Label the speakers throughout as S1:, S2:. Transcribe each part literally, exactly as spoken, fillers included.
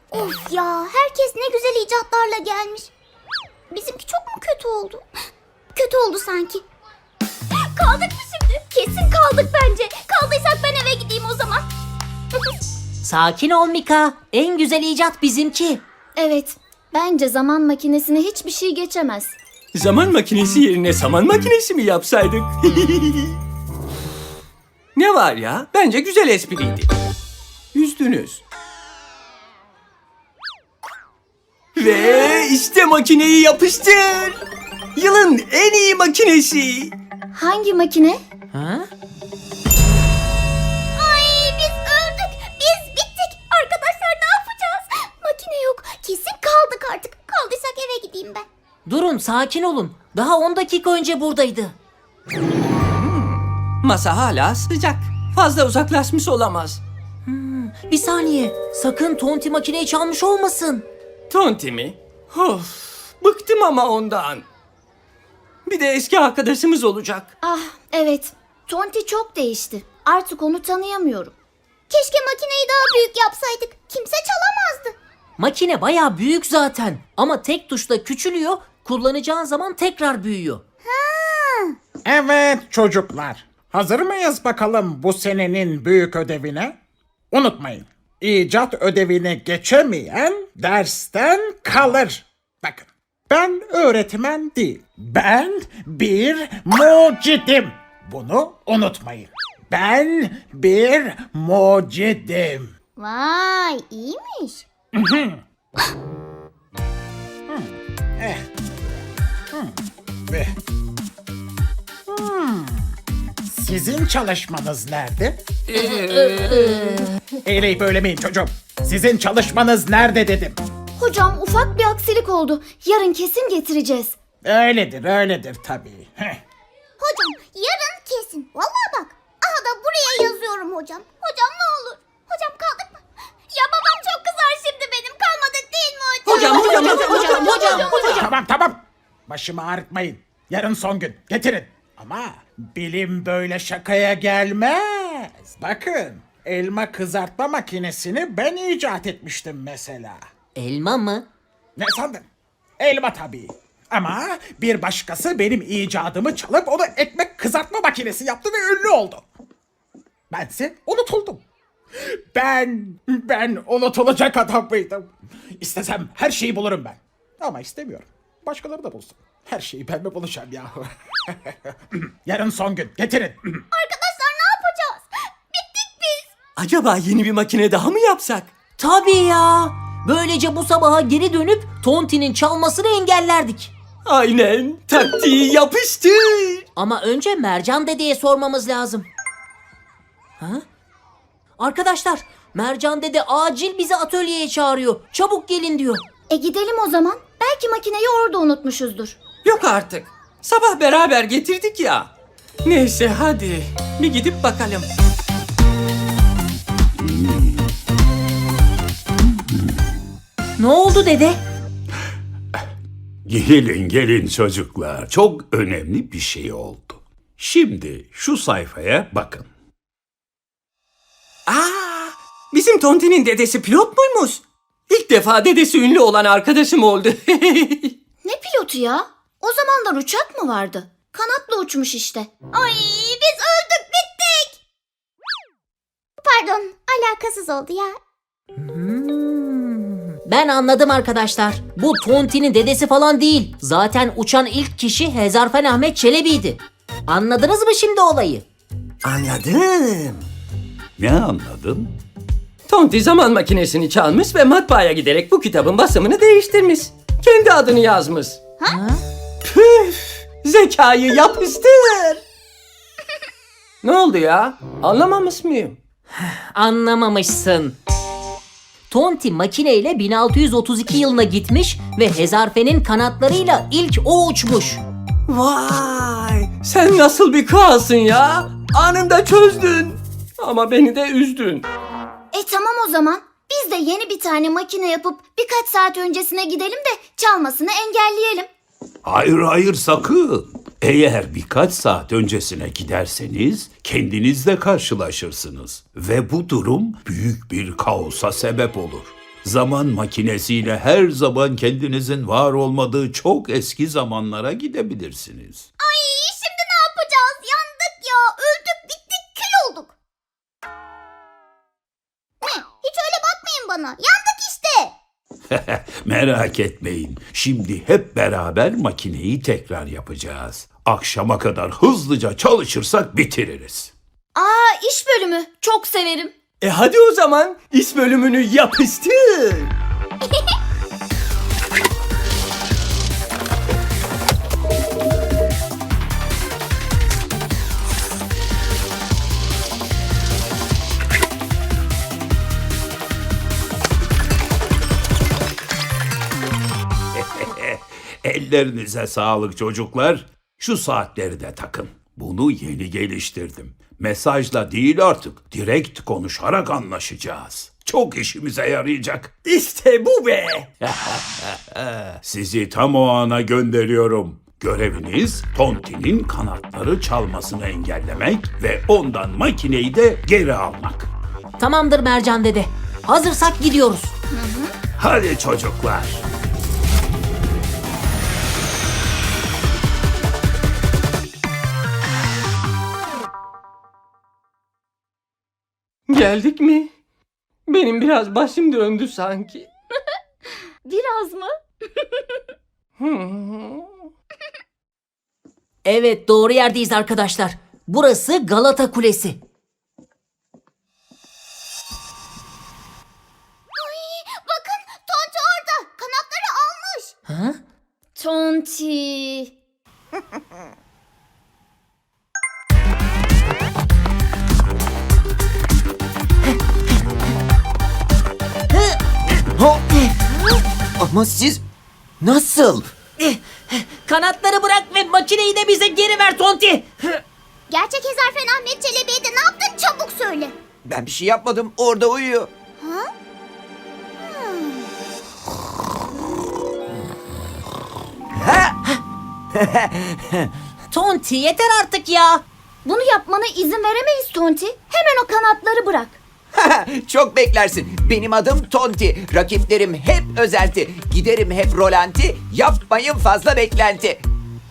S1: Of ya, herkes ne güzel icatlarla gelmiş. Bizimki çok mu kötü oldu? Kötü oldu sanki. Kaldık mı şimdi? Kesin kaldık bence. Kaldıysak ben eve gideyim o zaman.
S2: Sakin ol Mika. En güzel icat bizimki.
S3: Evet, bence zaman makinesine hiçbir şey geçemez.
S4: Zaman makinesi yerine saman makinesi mi yapsaydık? Ne var ya? Bence güzel espriydi. Üzdünüz. Ve işte makineyi yapıştır. Yılın en iyi makinesi.
S3: Hangi makine?
S2: Ha?
S1: Ay biz öldük. Biz bittik. Arkadaşlar ne yapacağız? Makine yok. Kesin kaldık artık. Kaldıysak eve gideyim ben.
S2: Durun, sakin olun. Daha on dakika önce buradaydı.
S4: Masa hala sıcak. Fazla uzaklaşmış olamaz.
S2: Bir saniye. Sakın Tonti makineyi çalmış olmasın.
S4: Tonti mi? Of, bıktım ama ondan. Bir de eski arkadaşımız olacak.
S3: Ah, evet. Tonti çok değişti. Artık onu tanıyamıyorum.
S1: Keşke makineyi daha büyük yapsaydık. Kimse çalamazdı.
S2: Makine bayağı büyük zaten. Ama tek tuşla küçülüyor. Kullanacağın zaman tekrar büyüyor.
S5: Evet çocuklar. Hazır mıyız bakalım bu senenin büyük ödevine? Unutmayın. İcat ödevini geçemeyen dersten kalır. Bakın. Ben öğretmen değil. Ben bir mucidim. Bunu unutmayın. Ben bir mucidim.
S1: Vay iyiymiş.
S5: Eh. Hmm. Eh. Hmm. Sizin çalışmanız nerede? Eğleyip söylemeyin çocuğum. Sizin çalışmanız nerede dedim.
S3: Hocam ufak bir aksilik oldu. Yarın kesin getireceğiz.
S5: Öyledir, öyledir tabii. Heh.
S1: Hocam yarın kesin. Vallahi bak. Aha da buraya yazıyorum hocam. Hocam ne olur. Hocam kaldık mı? Ya babam çok kızar şimdi benim. Kalmadık değil mi hocam?
S4: Hocam, hocam, hocam, hocam, hocam.
S5: Tamam, tamam. Başımı ağrıtmayın. Yarın son gün. Getirin. Ama bilim böyle şakaya gelmez. Bakın, elma kızartma makinesini ben icat etmiştim mesela.
S2: Elma mı?
S5: Ne sandın? Elma tabii. Ama bir başkası benim icadımı çalıp onu ekmek kızartma makinesi yaptı ve ünlü oldu. Bense unutuldum. Ben, ben unutulacak adam mıydım? İstesem her şeyi bulurum ben. Ama istemiyorum. Başkaları da bulsun. Her şeyi ben mi bulacağım yahu? Yarın son gün. Getirin.
S1: Arkadaşlar ne yapacağız? Bittik biz.
S4: Acaba yeni bir makine daha mı yapsak?
S2: Tabii ya. Böylece bu sabaha geri dönüp Tonti'nin çalmasını engellerdik.
S4: Aynen. Taktiği yapıştır.
S2: Ama önce Mercan dedeye sormamız lazım. Ha? Arkadaşlar, Mercan dede acil bizi atölyeye çağırıyor. Çabuk gelin diyor.
S3: E gidelim o zaman. Belki makineyi orada unutmuşuzdur.
S4: Yok artık. Sabah beraber getirdik ya. Neyse hadi. Bir gidip bakalım.
S2: Ne oldu dede?
S6: Gelin gelin çocuklar. Çok önemli bir şey oldu. Şimdi şu sayfaya bakın.
S4: Aa, bizim Tonti'nin dedesi pilot muymuş? İlk defa dedesi ünlü olan arkadaşım oldu.
S3: Ne pilotu ya? O zamanlar uçak mı vardı? Kanatla uçmuş işte.
S1: Ay biz öldük bittik. Pardon alakasız oldu ya.
S2: Ben anladım arkadaşlar. Bu Tonti'nin dedesi falan değil. Zaten uçan ilk kişi Hezarfen Ahmet Çelebi'ydi. Anladınız mı şimdi olayı?
S4: Anladım.
S6: Ne anladın?
S4: Tonti zaman makinesini çalmış ve matbaaya giderek bu kitabın basımını değiştirmiş. Kendi adını yazmış.
S2: Ha?
S4: Püf! Zekayı yapıştır. Ne oldu ya? Anlamamış mıyım?
S2: Anlamamışsın. Tonti makineyle bin altı yüz otuz iki yılına gitmiş ve Hezarfen'in kanatlarıyla ilk o uçmuş.
S4: Vay! Sen nasıl bir kralsın ya? Anında çözdün. Ama beni de üzdün.
S3: E tamam o zaman. Biz de yeni bir tane makine yapıp birkaç saat öncesine gidelim de çalmasını engelleyelim.
S6: Hayır hayır sakın. Eğer birkaç saat öncesine giderseniz kendinizle karşılaşırsınız. Ve bu durum büyük bir kaosa sebep olur. Zaman makinesiyle her zaman kendinizin var olmadığı çok eski zamanlara gidebilirsiniz.
S1: Ay şimdi ne yapacağız? Yandık ya. Öldük, bittik, kül olduk. Ne? Hiç öyle bakmayın bana. Yandık işte.
S6: Merak etmeyin. Şimdi hep beraber makineyi tekrar yapacağız. Akşama kadar hızlıca çalışırsak bitiririz.
S3: Aa, iş bölümü. Çok severim.
S4: E hadi o zaman iş bölümünü yapıştır.
S6: Ellerinize sağlık çocuklar. Şu saatleri de takın. Bunu yeni geliştirdim. Mesajla değil artık, direkt konuşarak anlaşacağız. Çok işimize yarayacak.
S4: İşte bu be.
S6: Sizi tam o ana gönderiyorum. Göreviniz Tonti'nin kanatları çalmasını engellemek ve ondan makineyi de geri almak.
S2: Tamamdır Mercan dede. Hazırsak gidiyoruz.
S6: Hadi çocuklar.
S4: Geldik mi? Benim biraz başım döndü sanki.
S3: Biraz mı?
S2: Evet, doğru yerdeyiz arkadaşlar. Burası Galata Kulesi.
S1: Ay, bakın Tonti orada. Kanatları almış.
S2: Ha?
S3: Tonti.
S7: Ama siz nasıl?
S2: Kanatları bırak ve makineyi de bize geri ver Tonti.
S1: Gerçek Hezarfen Ahmet Çelebi'ye de ne yaptın çabuk söyle.
S7: Ben bir şey yapmadım. Orada uyuyor.
S2: Tonti yeter artık ya.
S3: Bunu yapmana izin veremeyiz Tonti. Hemen o kanatları bırak.
S7: Çok beklersin. Benim adım Tonti. Rakiplerim hep özenti. Giderim hep rolanti. Yapmayın fazla beklenti.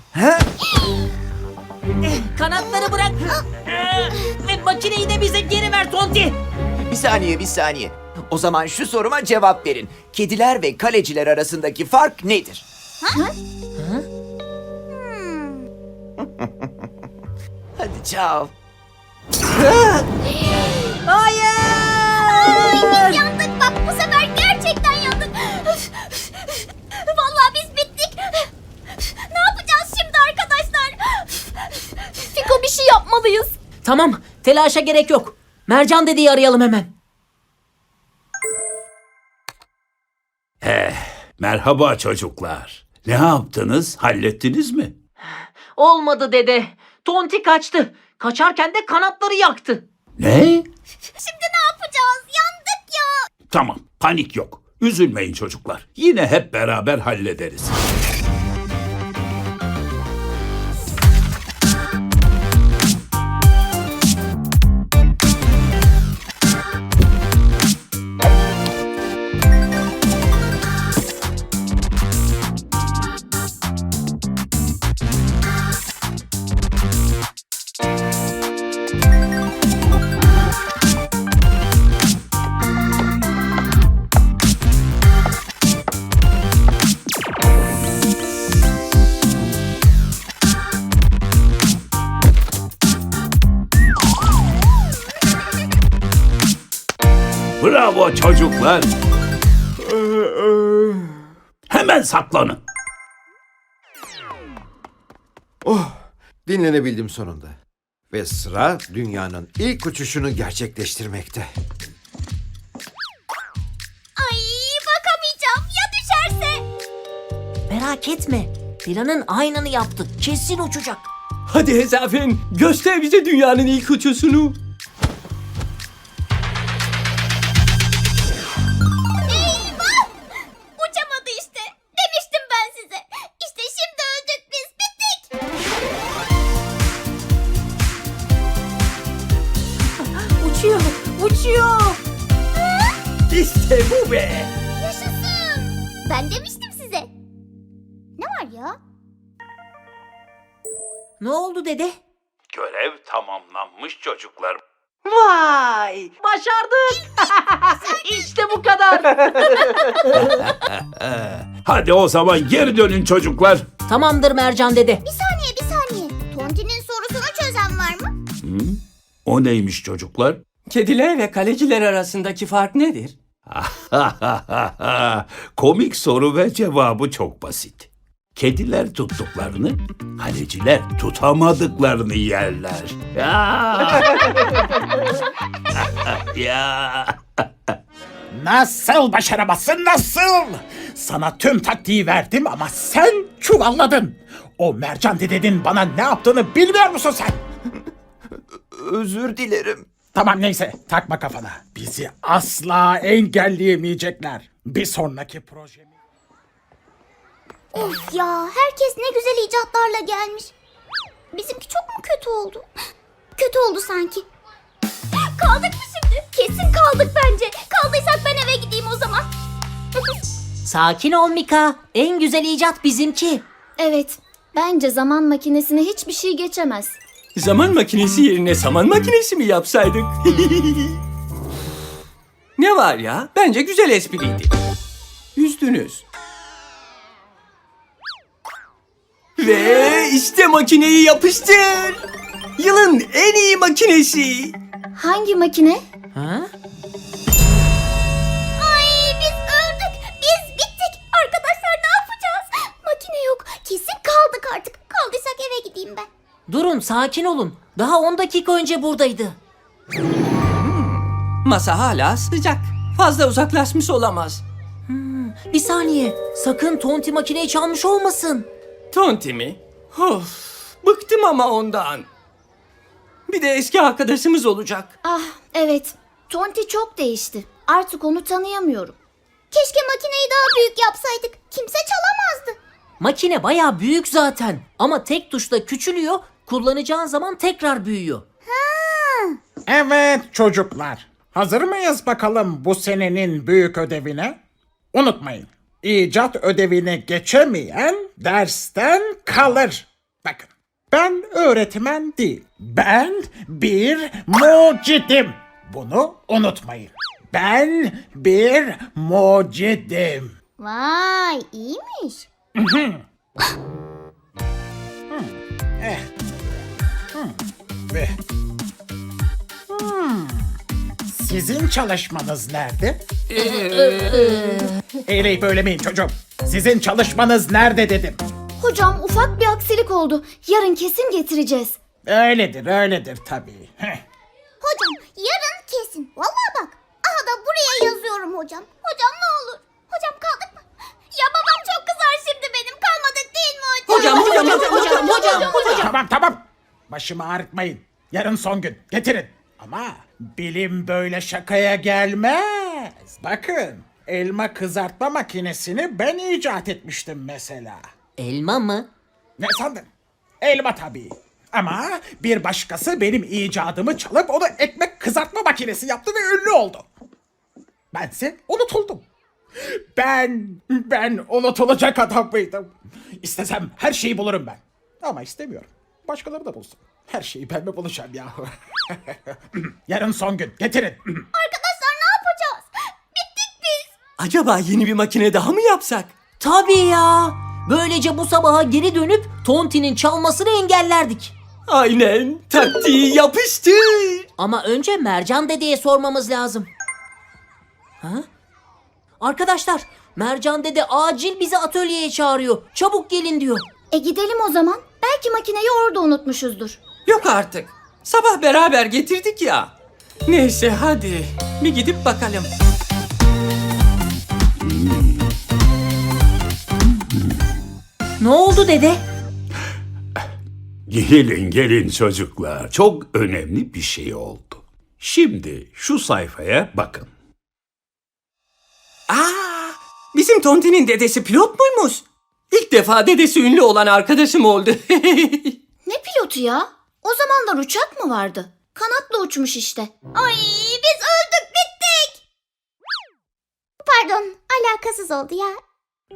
S2: Kanatları bırak ve makineyi de bize geri ver Tonti.
S7: Bir saniye, bir saniye. O zaman şu soruma cevap verin. Kediler ve kaleciler arasındaki fark nedir? Hadi çao.
S2: Hayır.
S1: Biz yandık bak bu sefer gerçekten yandık. Vallahi biz bittik. Ne yapacağız şimdi arkadaşlar?
S3: Fiko bir şey yapmalıyız.
S2: Tamam, telaşa gerek yok. Mercan dedeyi arayalım hemen.
S6: Merhaba çocuklar. Ne yaptınız? Hallettiniz mi?
S2: Olmadı dede. Tonti kaçtı. Kaçarken de kanatları yaktı.
S6: Ne?
S1: Şimdi ne yapacağız? Yandık ya.
S6: Tamam, panik yok. Üzülmeyin çocuklar. Yine hep beraber hallederiz. Bravo çocuklar. Hemen saklanın.
S8: Dinlenebildim sonunda. Ve sıra dünyanın ilk uçuşunu gerçekleştirmekte.
S1: Ay bakamayacağım ya düşerse.
S2: Merak etme. Planın aynını yaptık. Kesin uçacak.
S4: Hadi Hezafen, göster bize dünyanın ilk uçuşunu.
S1: Eyvah! Uçamadı işte. Demiştim ben size. İşte şimdi öldük biz. Bittik.
S2: Uçuyor, uçuyor.
S4: İşte bu be.
S1: Ben demiştim size. Ne var ya?
S2: Ne oldu dede?
S6: Görev tamamlanmış çocuklar.
S2: Vay! Başardık! İşte bu kadar.
S6: Hadi o zaman geri dönün çocuklar.
S2: Tamamdır Mercan dede.
S1: Bir saniye bir saniye. Tonti'nin sorusunu çözen var mı?
S6: O neymiş çocuklar?
S4: Kediler ve kaleciler arasındaki fark nedir?
S6: Komik soru ve cevabı çok basit. Kediler tuttuklarını, kaleciler tutamadıklarını yerler. Ya. ya.
S5: Nasıl başaramazsın nasıl? Sana tüm taktiği verdim ama sen çuvalladın. O Mercan dedenin bana ne yaptığını bilmiyor musun sen?
S7: Özür dilerim.
S5: Tamam neyse takma kafana. Bizi asla engelleyemeyecekler. Bir sonraki projemi...
S1: Of ya, herkes ne güzel icatlarla gelmiş. Bizimki çok mu kötü oldu? Kötü oldu sanki. Kaldık mı şimdi? Kesin kaldık bence. Kaldıysak ben eve gideyim o zaman.
S2: Sakin ol Mika. En güzel icat bizimki.
S3: Evet, bence zaman makinesine hiçbir şey geçemez.
S4: Zaman makinesi yerine saman makinesi mi yapsaydık? Ne var ya? Bence güzel espriydi. Üzdünüz. Ve işte makineyi yapıştır. Yılın en iyi makinesi.
S3: Hangi makine?
S2: Ha?
S1: Ay biz öldük. Biz bittik. Arkadaşlar ne yapacağız? Makine yok. Kesin kaldık artık. Kaldıysak eve gideyim ben.
S2: Durun, sakin olun. Daha on dakika önce buradaydı.
S4: Masa hala sıcak. Fazla uzaklaşmış olamaz.
S2: Bir saniye. Sakın Tonti makineyi çalmış olmasın.
S4: Tonti mi? Of, bıktım ama ondan. Bir de eski arkadaşımız olacak.
S3: Ah, evet. Tonti çok değişti. Artık onu tanıyamıyorum.
S1: Keşke makineyi daha büyük yapsaydık. Kimse çalamazdı.
S2: Makine bayağı büyük zaten. Ama tek tuşla küçülüyor, kullanacağın zaman tekrar büyüyor.
S5: Evet çocuklar. Hazır mıyız bakalım bu senenin büyük ödevine? Unutmayın. İcat ödevini geçemeyen dersten kalır. Bakın. Ben öğretmen değil. Ben bir mucidim. Bunu unutmayın. Ben bir mucidim.
S1: Vay iyiymiş.
S5: Ve Hmm. Sizin çalışmanız nerede? Eğleyip söylemeyin çocuğum. Sizin çalışmanız nerede dedim.
S3: Hocam ufak bir aksilik oldu. Yarın kesin getireceğiz.
S5: Öyledir, öyledir tabii. Heh.
S1: Hocam yarın kesin. Vallahi bak. Aha da buraya yazıyorum hocam. Hocam ne olur. Hocam kaldık mı? Ya babam çok kızar şimdi benim. Kalmadık değil mi hocam?
S2: Hocam, hocam, hocam, hocam, hocam.
S5: Tamam, tamam. Başımı ağrıtmayın. Yarın son gün. Getirin. Ama bilim böyle şakaya gelmez. Bakın, elma kızartma makinesini ben icat etmiştim mesela.
S2: Elma mı?
S5: Ne sandın? Elma tabii. Ama bir başkası benim icadımı çalıp onu ekmek kızartma makinesi yaptı ve ünlü oldu. Bense unutuldum. Ben, ben unutulacak adam mıydım? İstesem her şeyi bulurum ben. Ama istemiyorum. Başkaları da bulsun. Her şeyi ben mi bulacağım yahu? Yarın son gün. Getirin.
S1: Arkadaşlar ne yapacağız? Bittik biz.
S4: Acaba yeni bir makine daha mı yapsak?
S2: Tabii ya. Böylece bu sabaha geri dönüp Tonti'nin çalmasını engellerdik.
S4: Aynen. Taktiği yapıştır.
S2: Ama önce Mercan dedeye sormamız lazım. Ha? Arkadaşlar, Mercan dede acil bizi atölyeye çağırıyor. Çabuk gelin diyor.
S3: E gidelim o zaman. Belki makineyi orada unutmuşuzdur.
S4: Yok artık. Sabah beraber getirdik ya. Neyse hadi. Bir gidip bakalım.
S2: Ne oldu dede?
S6: Gelin gelin çocuklar. Çok önemli bir şey oldu. Şimdi şu sayfaya bakın.
S4: Aa, bizim Tonti'nin dedesi pilot muymuş? İlk defa dedesi ünlü olan arkadaşım oldu.
S3: Ne pilotu ya? O zamanlar uçak mı vardı? Kanatla uçmuş işte.
S1: Ay biz öldük bittik. Pardon alakasız oldu ya.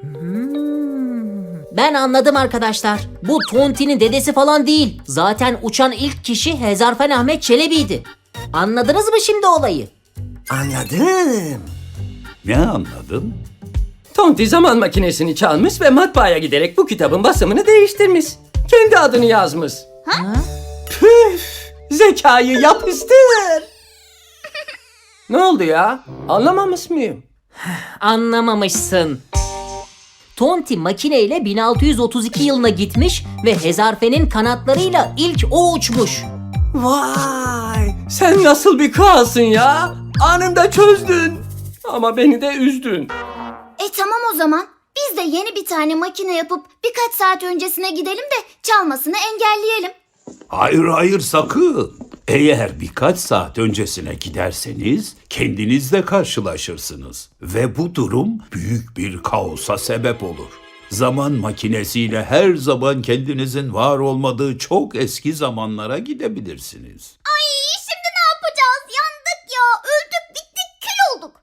S2: Ben anladım arkadaşlar. Bu Tonti'nin dedesi falan değil. Zaten uçan ilk kişi Hezarfen Ahmet Çelebi'ydi. Anladınız mı şimdi olayı?
S4: Anladım.
S6: Ne anladın?
S4: Tonti zaman makinesini çalmış ve matbaaya giderek bu kitabın basımını değiştirmiş. Kendi adını yazmış.
S2: Ha?
S4: Püf! Zekayı yapıştır. Ne oldu ya? Anlamamış mıyım?
S2: Anlamamışsın. Tonti makineyle bin altı yüz otuz iki yılına gitmiş ve Hezarfen'in kanatlarıyla ilk o uçmuş.
S4: Vay! Sen nasıl bir kralsın ya? Anında çözdün. Ama beni de üzdün.
S3: E tamam o zaman. Biz de yeni bir tane makine yapıp birkaç saat öncesine gidelim de çalmasını engelleyelim.
S6: Hayır hayır sakın. Eğer birkaç saat öncesine giderseniz kendinizle karşılaşırsınız. Ve bu durum büyük bir kaosa sebep olur. Zaman makinesiyle her zaman kendinizin var olmadığı çok eski zamanlara gidebilirsiniz.
S1: Ay şimdi ne yapacağız? Yandık ya. Öldük, bittik, kül olduk.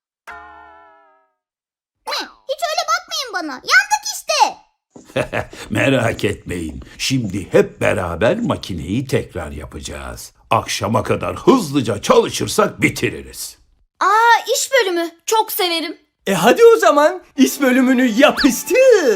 S1: Ne? Hiç öyle bakmayın bana. Yandık işte.
S6: Merak etmeyin. Şimdi hep beraber makineyi tekrar yapacağız. Akşama kadar hızlıca çalışırsak bitiririz.
S3: Aa iş bölümü. Çok severim.
S4: E hadi o zaman iş bölümünü yapıştır.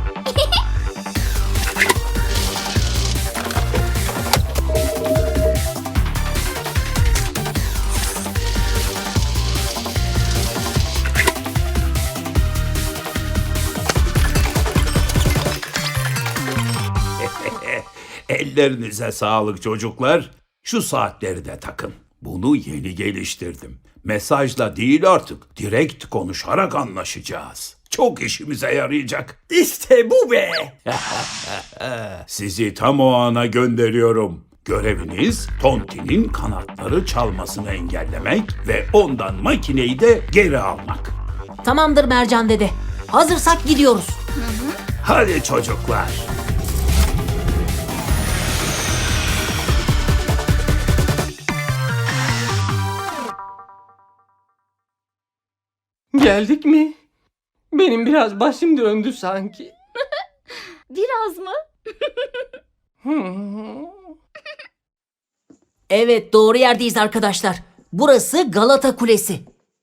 S6: Ellerinize sağlık çocuklar. Şu saatleri de takın. Bunu yeni geliştirdim. Mesajla değil artık, direkt konuşarak anlaşacağız. Çok işimize yarayacak.
S4: İşte bu be.
S6: Sizi tam o ana gönderiyorum. Göreviniz Tonti'nin kanatları çalmasını engellemek ve ondan makineyi de geri almak.
S2: Tamamdır Mercan dede. Hazırsak gidiyoruz.
S6: Hadi çocuklar.
S4: Geldik mi? Benim biraz başım döndü sanki.
S1: Biraz mı?
S2: Evet, doğru yerdeyiz arkadaşlar. Burası Galata Kulesi.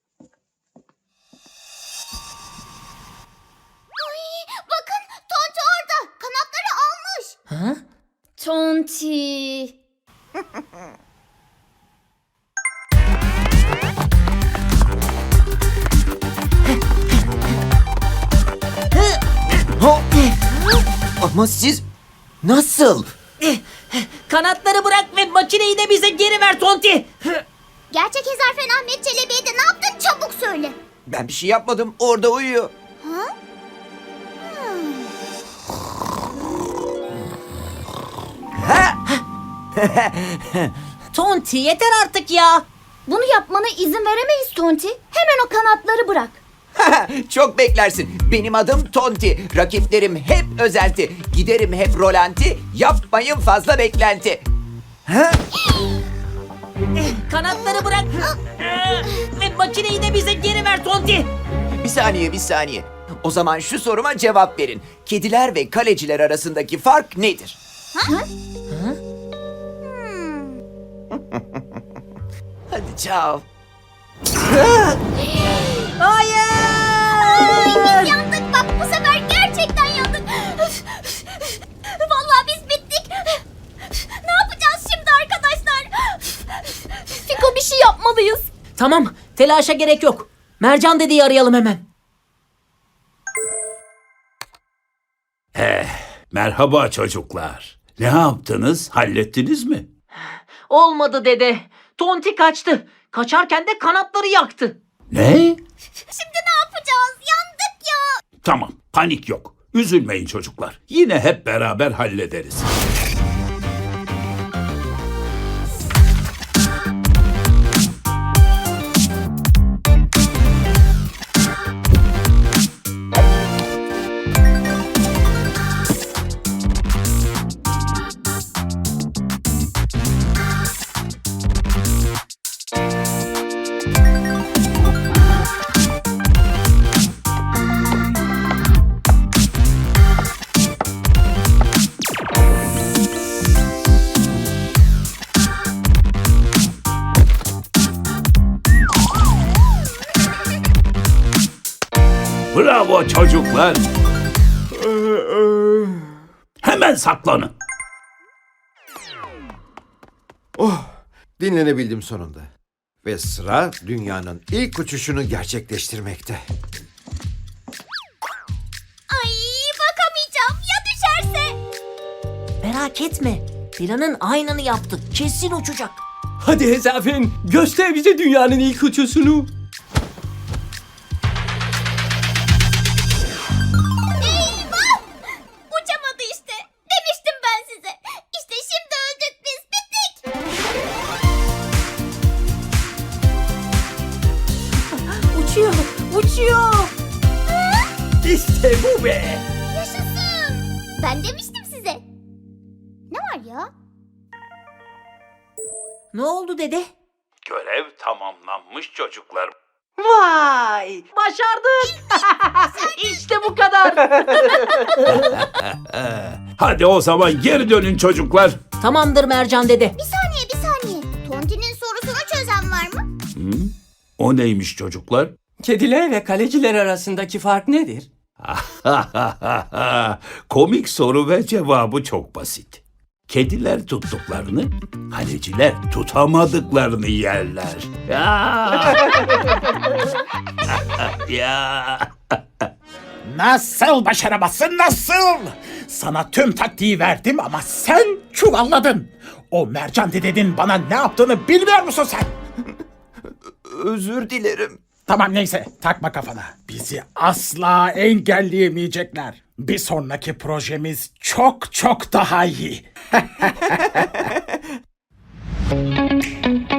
S1: Bakın Tonti orada. Kanatları almış.
S2: Ha?
S3: Tonti.
S7: Ama siz nasıl?
S2: Kanatları bırak ve makineyi de bize geri ver Tonti.
S1: Gerçek Hezarfen Ahmet Çelebi'ye de ne yaptın çabuk söyle.
S7: Ben bir şey yapmadım. Orada uyuyor.
S2: Tonti yeter artık ya.
S3: Bunu yapmana izin veremeyiz Tonti. Hemen o kanatları bırak.
S7: Çok beklersin. Benim adım Tonti. Rakiplerim hep özelti. Giderim hep rolanti. Yapmayın fazla beklenti.
S2: Kanatları bırak ve makineyi de bize geri ver Tonti.
S7: Bir saniye, bir saniye. O zaman şu soruma cevap verin. Kediler ve kaleciler arasındaki fark nedir? Hadi çao.
S2: Hayır.
S1: Biz yandık bak bu sefer gerçekten yandık. Vallahi biz bittik. Ne yapacağız şimdi arkadaşlar?
S3: Fiko bir şey yapmalıyız.
S2: Tamam, telaşa gerek yok. Mercan dedeyi arayalım hemen.
S6: Merhaba çocuklar. Ne yaptınız? Hallettiniz mi?
S2: Olmadı dede. Tonti kaçtı. Kaçarken de kanatları yaktı.
S6: Ne?
S1: Şimdi ne yapacağız? Yandık ya.
S6: Tamam, panik yok. Üzülmeyin çocuklar. Yine hep beraber hallederiz. Bravo çocuklar. Hemen saklanın.
S8: Dinlenebildim sonunda. Ve sıra dünyanın ilk uçuşunu gerçekleştirmekte.
S1: Ay bakamayacağım ya düşerse.
S2: Merak etme. Planın aynını yaptık. Kesin uçacak.
S4: Hadi Hezafin, göster bize dünyanın ilk uçuşunu.
S1: Eyvah! Uçamadı işte. Demiştim ben size. İşte şimdi öldük biz. Bittik.
S2: Uçuyor. Uçuyor.
S4: İşte bu be.
S1: Yaşasın. Ben demiştim size. Ne var ya?
S2: Ne oldu dede?
S6: Görev tamamlanmış çocuklar.
S2: Vay! Başardık. İşte bu kadar.
S6: Hadi o zaman geri dönün çocuklar.
S2: Tamamdır Mercan dede.
S1: Bir saniye bir saniye. Tonti'nin sorusunu çözen var mı?
S6: O neymiş çocuklar?
S4: Kediler ve kaleciler arasındaki fark nedir?
S6: Komik soru ve cevabı çok basit. Kediler tuttuklarını, kaleciler tutamadıklarını yerler. Ya. ya.
S5: Nasıl başaramazsın nasıl? Sana tüm taktiği verdim ama sen çuvalladın. O Mercan dedenin bana ne yaptığını bilmiyor musun sen?
S7: Özür dilerim.
S5: Tamam neyse takma kafana. Bizi asla engelleyemeyecekler. Bir sonraki projemiz çok çok daha iyi.